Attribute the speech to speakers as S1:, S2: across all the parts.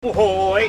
S1: โอ้โห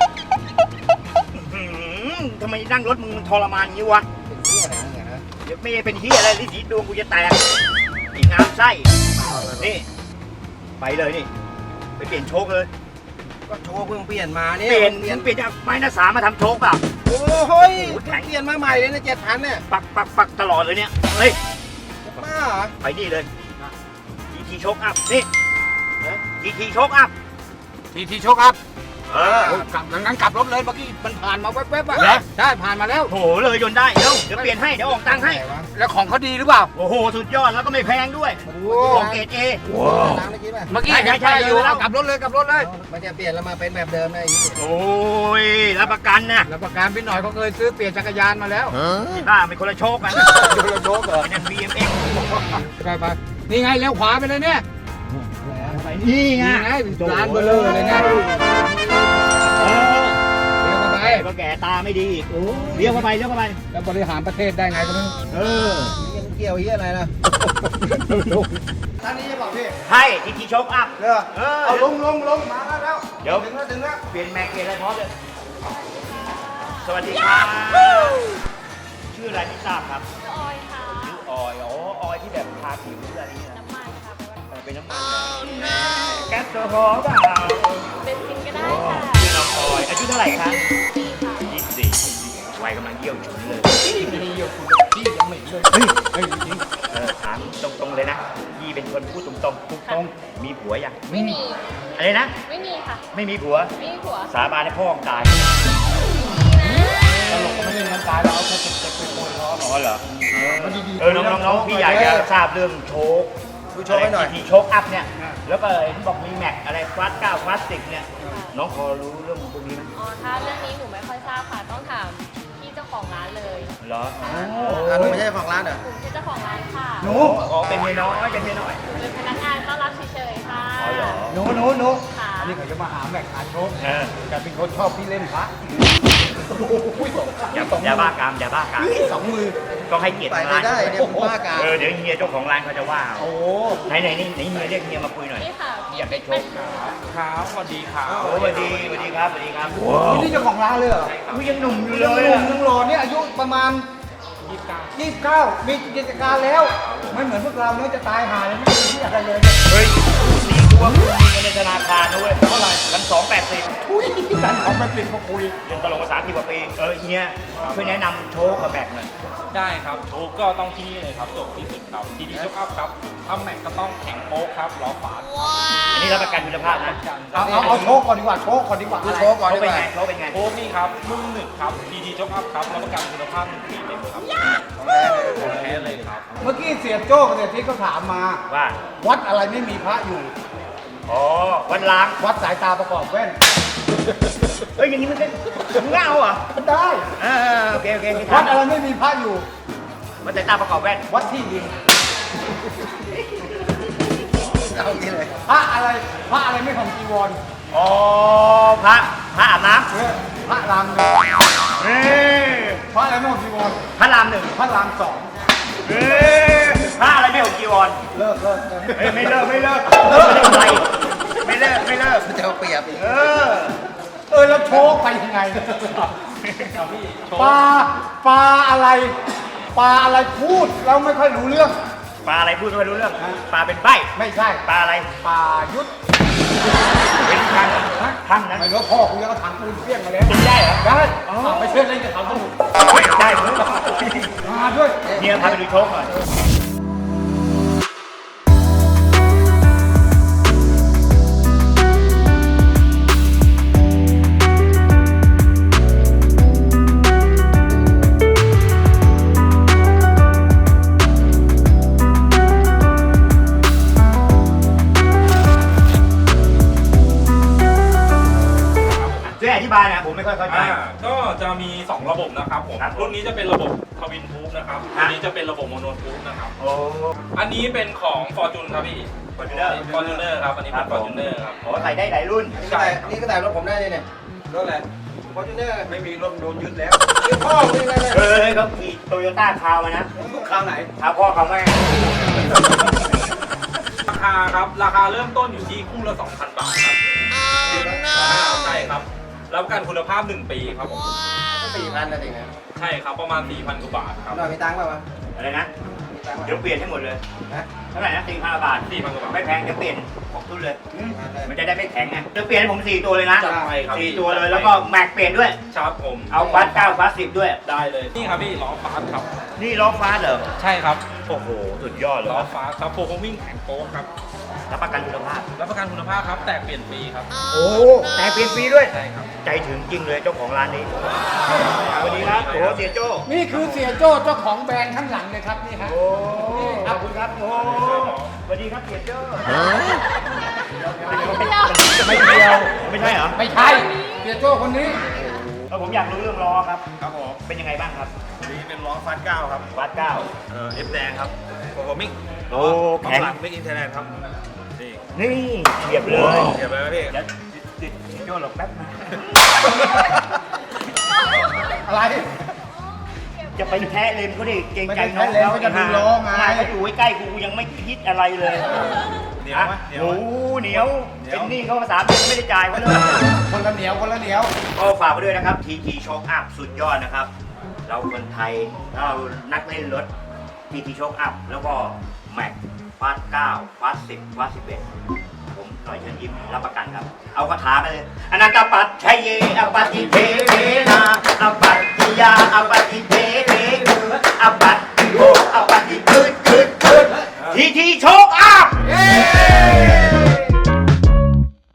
S1: ทำไมนั่งรถมึงทรมานอย่างนี้วะเป็นที่อะไรเนี่ยนะเดี๋ยวไม่ได้เป็นที่อะไรลิสีดวงกูจะแตกอีกงามไส้นี่ไปเลยนี่ไปเปลี่ยนโชคเลย
S2: ก็โชคเพิ่งเปลี่ยนมาเนี่ย
S1: เปลี่ยนจากไม้หน้าสามมาทำโชคเปล่า
S2: โอ้ยแข็งเปลี่ยนมาใหม่เลยนะ7,000เนี่ย
S1: ปักตลอดเลยเนี่ยเฮ้ย
S2: บ้าเหรอ
S1: ไปนี่เลยทีโชคอัพนี่ทีโชคอัพ
S2: ทีโชคอัพกลับงั้นกลับรถเลยเมื่อกี้มันผ่านมาแว๊บๆอ่ะใช่ผ่านมาแล้ว
S1: โหเลยจนได้เดี๋ยวเปลี่ยนให้เดี๋ยวออกตังค์ให้
S2: แล้วของเขาดีหรือเปล่า
S1: โอ้โหสุดยอดแล้วก็ไม่แพงด้วยของเกรดเอ
S2: เมื่อกี้ใช่อยู่แล้วกลับรถเลยมันจะเปลี่ยนแล้วมาเป็นแบบเดิมได้
S1: โอ้ยรับประกันนะ
S2: รับประกันพี่หน่อยเขาเคยซื้อเปลี่ยนจักรยานมาแล้ว
S1: ที่บ้าเป็นคนละโชคกัน
S2: คนละโชคเหรอ
S1: เป็น BMX
S2: ไปนี่ไงเลี้ยวขวาไปเลยเนี่ย
S1: นี่ไง
S2: ร้านเบลเลอร์เลยนะเลี้ยวเข้าไป
S1: ก็แก่ตาไม่ดีเลี้ยวเข้าไป
S2: แล้วบริหารประเทศได้ไงก็ไม่รู้ยังเกี่ยวเหี้ยอะไรล่ะท่านนี้จะบอกพี่
S1: ให้ทีโชคอัพ
S2: เอาลงมาแล้ว
S1: เดี๋ยว
S2: ถึงแล้ว
S1: เปลี่ยนแม็กเปลี่ยนอะไรพร้อมเลยสวัสดีครับชื่ออะไรไม่ทราบครับ
S3: ชื่อออยค่ะ
S1: ชื่อออยออยที่แบบทาผิวอะไรนี่
S3: น้ำมันค่ะ
S1: เป็นน้ำมันแก๊สโซฮอล์เปล่า
S3: เป็นซิงก็ได้ค่ะ
S1: ชื่อน้องออยอายุเท่าไหร่ครับ24วัยกำลังเยี่ยวฉุนเลย
S2: มีอยู่คุณพี่ยังไม่เลย
S1: ถามตรงๆเลยนะยี่เป็นคนพูดตรงๆมีผัวยัง
S3: ไม่มี
S1: อะไรนะ
S3: ไม่มีค่ะ
S1: ไม่มีผัวสาบานให้พ่อตาย
S2: ตลกก็ไม่เล่นกันตายเราเอาแค่เจ็บไปโวยล้อ
S1: อ๋อเหรอน้องพี่อยากจะทราบเรื่องโชค
S2: ให้หน่อย
S1: ทีโชคอัพเนี่ยแล้วก็เห็นบอกมีแม็กอะไรคลาส9คลาส10เนี่ยน้องพอรู้เรื่องพวกนี้ไหม
S3: อ๋อถ้าเรื่องนี้หนูไม่ค่อยทราบค่ะต้องถามพี่เจ้าของร้านเลย
S1: เหรอ
S2: หนูไม่ใช่ของร้านเหรอ
S3: หนูเป็นเจ้าของร้านค่ะ
S1: หนูเป็นเมียน้อย
S3: เป็นพนักงานต้อนรับเฉยๆค่ะ
S2: หนูอันนี้เขาจะมาหาแม็กหาโชคแต่เป็นคนชอบพี่เล่นพระ
S1: อย่าบ้ากาม
S2: 2 มือ
S1: ต้องให้เกียรติ
S2: ร้านได้เนี่ยบ้ากาม
S1: เดี๋ยวเฮียเจ้าของร้านเขาจะว่าไหนนี่เฮียเรียกเฮียมาคุยหน่อยอยากได้โชค
S2: ครับสวัสดีครับ
S1: สวัสดีครับ
S2: นี่เจ้าของร้านเลยเหรอ
S1: ยังหนุ่มอยู่เลย
S2: ยังหล่อเนี่ยอายุประมาณ29มีกิจการแล้วไม่เหมือนพวกเราเนี่ยจะตายหาเลยไม่มีที่อะไรเลย
S1: เฮ้ยนี่คือว่าคุณมีเงินในธนาคารนะเว้ยเท่าไหร่1,280
S2: ทุย1,280มาคุย
S1: เรียนตลกภาษา10 กว่าปีเฮียช่วยแนะนำโชคกับแบกหน่อย
S4: ได้ครับโชคก็ต้องที่นี่เลยครับจบที่สุดครับทีดีโชคอัพครับทำแม็กก็ต้องแข็งโป๊กครับล้อฝา
S1: อันนี้รับประกันคุณภาพนะ
S2: เอาโชคก่อนดีกว่าโชคก่อนดีกว่า
S1: โชคเป็นไงโชค
S4: นี่ครับรุ่น1ครับทีดีโชคอัพครับรับประกันคุณภาพ1 ปีเต็มครับแท้เลยครับ
S2: เมื่อกี้เสียโจ้กับเสียทิศเขาถามมา
S1: ว่า
S2: วัดอะไรไม่มีพระอยู่
S1: วัดล้าง
S2: วัดสายตาประกอบแว่น
S1: เฮ้ยอย่างนี้มันเป็นเงาเหรอ
S2: ได้
S1: โอเค
S2: วัดอะไรไม่มีพระอยู่
S1: วัดสายตาประกอบแว่น
S2: วัดที่ดินเอางี้เลยพระอะไรไม่ของจีวร
S1: พระอาบน้
S2: ำพระราม1พระอะไรไม่ของจีวร
S1: พระราม1
S2: พระราม2
S1: พระอะไรไม่ของจีวร
S2: เลิก
S1: ไม่เลิกไม่เลิก
S2: จะเอาเปรียบแล้วโชคไปยังไงปลาอะไรพูดแล้วไม่ค่อยรู้เรื่อง
S1: ปลาอะไรพูดไม่ค่อยรู้เรื่องปลาเป็นใบ
S2: ไม่ใช่
S1: ปลาอะไร
S2: ปลายุทธ
S1: เป็นทังนะ
S2: ไม่รู้พ่อคุณยังก็ถังปืนเปี้ยงมาแล้ว
S1: ได้เหรอ
S2: ได้ไปเชื่อเล่นกับเขาสนุก
S1: ได้
S2: มาด้วย
S1: เนี่ยพาไปดูโชคหน่อยอธิบายนะผมไม่ค่อยเข้าใจ
S4: ก็จะมี2ระบบนะครับผมรุ่นนี้จะเป็นระบบทวินทูบนะครับอันนี้จะเป็นระบบโมโนทูบนะครับอันนี้เป็นของฟอร์จูนครับพี่ฟอร์จูเนอร์ครับอันนี้เป็นฟอร์จูเนอร์ครับ
S1: ใส่ได้หลายรุ่น
S2: นี่ก็แต่รถผมได้เลยเนี่ยรถอะไรฟอร์จูเนอร์ไม่มีรถโดนยึดแล้วพ่อเป็นอะไร
S1: เขาขี่โตโยต้าคาวมานะ
S2: คาวไหน
S1: คาวพ่อคาวแม่
S4: ราคาเริ่มต้นอยู่ที่คู่ละ 2,000 บาทครับใช่ครับรับประกันคุณภาพ 1 ปีครับผม
S5: 4,000นะจริงนะ
S4: ใช่ครับประมาณ 4,000 กว่าบาทครับ
S5: หน่อยมีตังค์เปล่าวะ
S1: อะไรนะ
S5: มีตังค์
S1: เดี๋ยวเปลี่ยนให้หมดเลย
S5: นะ
S1: เท่าไหร่นะ4,000 บาท
S4: 4,000 กว่าบาท
S1: ไม่แพงจะเปลี่ยนของทุนเลย มันจะได้ไม่แข็งไงจะเปลี่ยนให้ผม4 ตัวเลยนะ
S4: จัดไปครับ
S1: 4 ตัวเลยแล้วก็แม็กเปลี่ยนด้วย
S4: ครับผม
S1: เอาฟาส9ฟาส10ด้วย
S4: ได้เลย นี่ครับพี่ล้อฟาสครับ
S1: นี่ล้อฟาสเหรอ
S4: ใช่ครับ
S1: โอ้โห สุดยอดเลย
S4: ล้อ
S1: ครับ
S4: ฟาสครับโฟกัสวิ่งแข็งโป๊กครับ
S1: รับประกันคุณภาพ
S4: รับประกันคุณภาพครับ แตกเปลี่ยนฟรีครับ
S1: โอ้แต่เปลี่ยนฟรีด้วย
S4: ใช่ครับ
S1: ใจถึงจริงเลยเจ้าของร้านนี้ สวัสดีครับโอ้เสียโจ้
S2: นี่คือเสียโจ้เจ้าของแบรนด์ข้างหลังเลยครับนี่ฮะ
S1: โอ้ขอบคุณครับโอ้สวัสดีครับเสียโจ้ไม่เดียว ไม่ใช่เหรอ
S2: ไม่ใช่เสียโจ้คนนี้
S1: ผมอยากรู้เรื่องล้อครับ
S6: ครับผม
S1: เป็นยังไงบ้างครับ
S6: อันนี้เป็นล้อฟาส9ครับ
S1: ฟาส9
S6: เอฟแดงครับโปรโกมิก
S1: โอ้แข็ง
S6: หลังมิกอินเทอร์เน็ตครับ นี่
S1: นี่เฉียบเลย
S6: เก็บไว้ไหมพี่
S1: เดี๋ยวติดโจ้หลบแป๊บนะ
S2: อะไร
S1: จะไปแท้เลนเขาดิเกรงใจ
S2: ไม่
S1: น้
S2: ได้
S1: อง
S2: แท้เลนก็จะดูล้อไง
S1: เขาอยู่ใกล้ๆกูยังไม่คิดอะไรเลย
S6: เหนียวไหมเหนียว
S1: โอ้
S6: ไหม
S1: เหนียว เป็นหนี้เขาภาษาเดือนไม่ได้จ่ายเขาเลย
S2: คนละเหนียวคนละเหนียว
S1: ก็ฝากไปด้วยนะครับ TT Shock Up สุดยอดนะครับ เราคนไทยเรานักเล่นรถ TT Shock Up แล้วก็ Mac ฟาส9ฟาส10ฟาส11ผมหน่อยเชิญยิ้มรับประกันครับ เอาคาถาไปเลยอนันตปัจชัยเยอปฏิเท